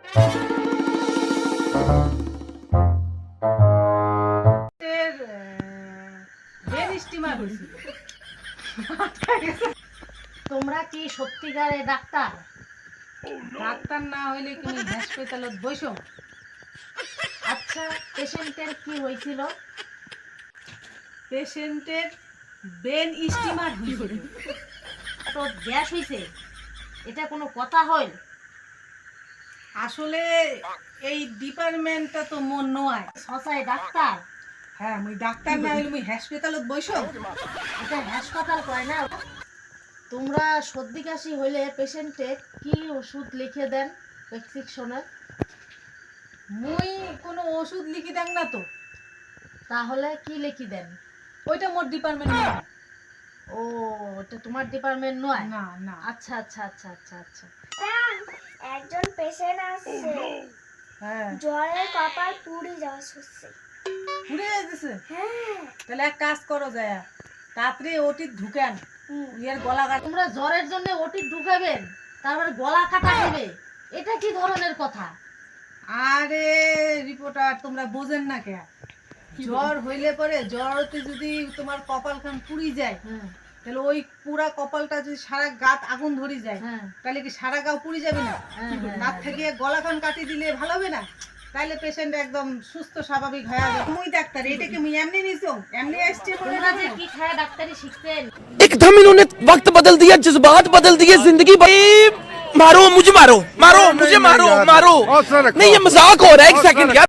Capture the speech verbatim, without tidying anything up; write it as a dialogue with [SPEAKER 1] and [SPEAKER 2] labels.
[SPEAKER 1] তোমরা কি সত্যিকারে ডাক্তার?
[SPEAKER 2] ডাক্তার না হইলে তুমি হাসপাতালত বসো।
[SPEAKER 1] আচ্ছা, পেশেন্টের কি হয়েছিল?
[SPEAKER 2] পেশেন্টের ব্রেন স্টিমার হইছিল।
[SPEAKER 1] তো গ্যাস হইছে, এটা কোনো কথা হয়?
[SPEAKER 2] আসলে এই ডিপার্টমেন্টটা তো মন নয়।
[SPEAKER 1] সসাই ডাক্তার?
[SPEAKER 2] হ্যাঁ, মুই ডাক্তার না হইলে মুই হাসপাতালত বসো।
[SPEAKER 1] এটা হাসপাতাল কয় না। তোমরা সর্দি কাশি হইলে পেশেন্টে কি ওষুধ লিখে দেন প্রেসক্রিপশনে?
[SPEAKER 2] মুই কোনো ওষুধ লিখি দেন না তো।
[SPEAKER 1] তাহলে কি লিখি দেন?
[SPEAKER 2] ওইটা মোর ডিপার্টমেন্ট না।
[SPEAKER 1] ও, এটা তোমার ডিপার্টমেন্ট নয়?
[SPEAKER 2] না না।
[SPEAKER 1] আচ্ছা আচ্ছা আচ্ছা আচ্ছা আচ্ছা।
[SPEAKER 3] একজন পেশেন্ট আসছে,
[SPEAKER 2] হ্যাঁ,
[SPEAKER 3] জ্বরে কপাল পুড়ে যাওয়া হচ্ছে।
[SPEAKER 2] পুড়ে যাইতেছে?
[SPEAKER 3] হ্যাঁ,
[SPEAKER 2] তাহলে এক কাজ করো, যায় তাড়াতাড়ি ওটি ঢুকেন, ইয়ের গলা কাট।
[SPEAKER 1] তোমরা জ্বরের জন্য ওটি ঢুকাবেন, তারপরে গলা কাটা হবে? এটা কি ধরনের কথা?
[SPEAKER 2] আরে রিপোর্টার, তোমরা বোঝেন না কে? জ্বর হইলে পরে জ্বরতে যদি তোমার কপাল খান পুড়ি যায়,
[SPEAKER 1] হ্যাঁ
[SPEAKER 2] তাহলে ওই পুরা কপালটা যদি সারা গাত আগুন ধরে যায়,
[SPEAKER 1] হ্যাঁ
[SPEAKER 2] তাহলে কি সারা গাও পুড়ি যাবে না?
[SPEAKER 1] হ্যাঁ, হ্যাঁ,
[SPEAKER 2] নাক থেকে গলা খান কাটি দিলে ভালো হবে না? তাহলে পেশেন্ট একদম সুস্থ স্বাভাবিক হয়ে যাবে। মুই ডাক্তার, এটা কি মুই এমনি নিছো? এমনি আসছে?
[SPEAKER 1] তোমরা যে কি খায় ডাক্তারি শিখছেন?
[SPEAKER 4] एकदम इन्होंने वक्त बदल दिया, जज्बात बदल दिए, जिंदगी भाई। मारो मुझे, मारो मारो मुझे, मारो मारो। नहीं, ये मजाक हो रहा है। एक सेकंड यार।